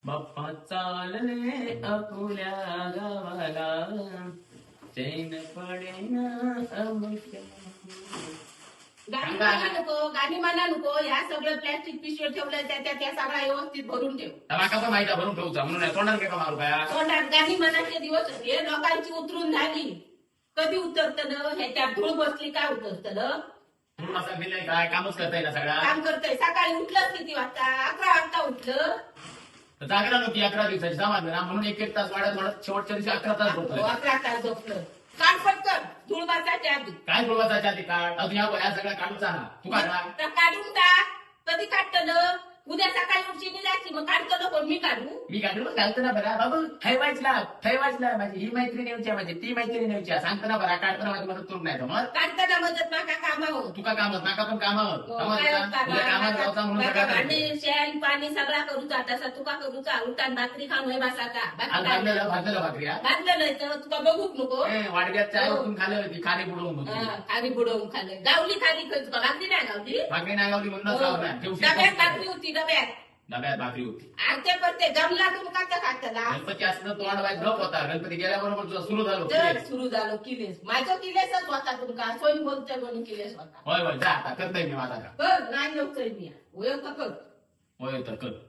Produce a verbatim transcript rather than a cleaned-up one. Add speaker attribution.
Speaker 1: बाप्पा चालले अपुल्या गावाला चैन पडेना अमुक्या.
Speaker 2: गाणी म्हणा नको गाणी म्हणा नको ह्या सगळं प्लॅस्टिक पिशवी ठेवलं त्या त्या त्या सगळ्या व्यवस्थित भरून ठेव.
Speaker 1: माका पण माहिती आहे, भरून ठेवचा म्हणून तोंडात काय मारू काय
Speaker 2: तोंडात गाणी म्हणायचे दिवस हे लोकांची उतरून झाली. कधी उतरतं न ह्याच्या धूळ बसली काय उतरतं न
Speaker 1: म्हणून असं गेलंय काय कामच करताय ना सगळा
Speaker 2: काम करतय. सकाळी उठलं किती वाजता? अकरा वाजता उठलं.
Speaker 1: जागरण होती अकरा दिवसाची समाज ना म्हणून एक एक तास वाढत वाढत शेवटच्या दिवशी अकरा तास
Speaker 2: हो,
Speaker 1: झोपतोय.
Speaker 2: अकरा तास झोपलं. काढ पटकन धूळ बसायच्या आधी.
Speaker 1: काय बोलवायचा आधी काढ अजून या या सगळ्या काढूचा ना तू काढला
Speaker 2: तर काढून टाक. कधी काढतं न उद्या सकाळी उठची जायची मग काढतो नको मी काढू.
Speaker 1: मी काढून घालतो ना बरा बाबू ठेवायचला ठेवायचला माझी ही मैत्री नेऊची माझी ती मैत्री नेऊची सांगतो ना बरा काढताना माझी मदत करून नाही मग
Speaker 2: काढताना मदत नका कामावर.
Speaker 1: तुका कामत नाका पण कामावर
Speaker 2: हो,
Speaker 1: समज
Speaker 2: काय
Speaker 1: का?
Speaker 2: होता
Speaker 1: उद्या कामात
Speaker 2: बा?
Speaker 1: जायचा म्हणून
Speaker 2: बा-
Speaker 1: सगळं
Speaker 2: भांडी
Speaker 1: करायचं.
Speaker 2: शेण पाणी सगळा करूचा तसा तुका करूचा उलटान भाकरी खाऊन होय बसाचा.
Speaker 1: आज
Speaker 2: बाकी
Speaker 1: भाजलेलं
Speaker 2: काय?
Speaker 1: भाजलेलं भाकरी हा?
Speaker 2: भाजलं नाही तर तुका बघूक नको.
Speaker 1: ए, वाडग्यात चाय
Speaker 2: हो.
Speaker 1: ओतून खाल्ली होती खाली बुडवून होती
Speaker 2: हा, खाली बुडवून खाल्लं. गावली खाली खायचं का? भाकरी नाही गावली.
Speaker 1: भाकरी नाही गावली म्हणून
Speaker 2: हो.
Speaker 1: खाऊ नाही ठेवशी
Speaker 2: डब्यात भाकरी होती डब्यात.
Speaker 1: डब्यात भाकरी होती
Speaker 2: आरते पडते जमला तुम्ही का खाताला.
Speaker 1: गणपती असलं तोंड वाईट झोप होता गणपती गेल्याबरोबर तुझं सुरू झालं
Speaker 2: तर सुरू झालं किलेस. माझं किलेसच होता तुमका सोयी बोलतोय म्हणून किलेस होता.
Speaker 1: होय होय जा आता करतोय मी माझा का
Speaker 2: कर नाही येऊतोय मी. होय का कर.
Speaker 1: होय तर कर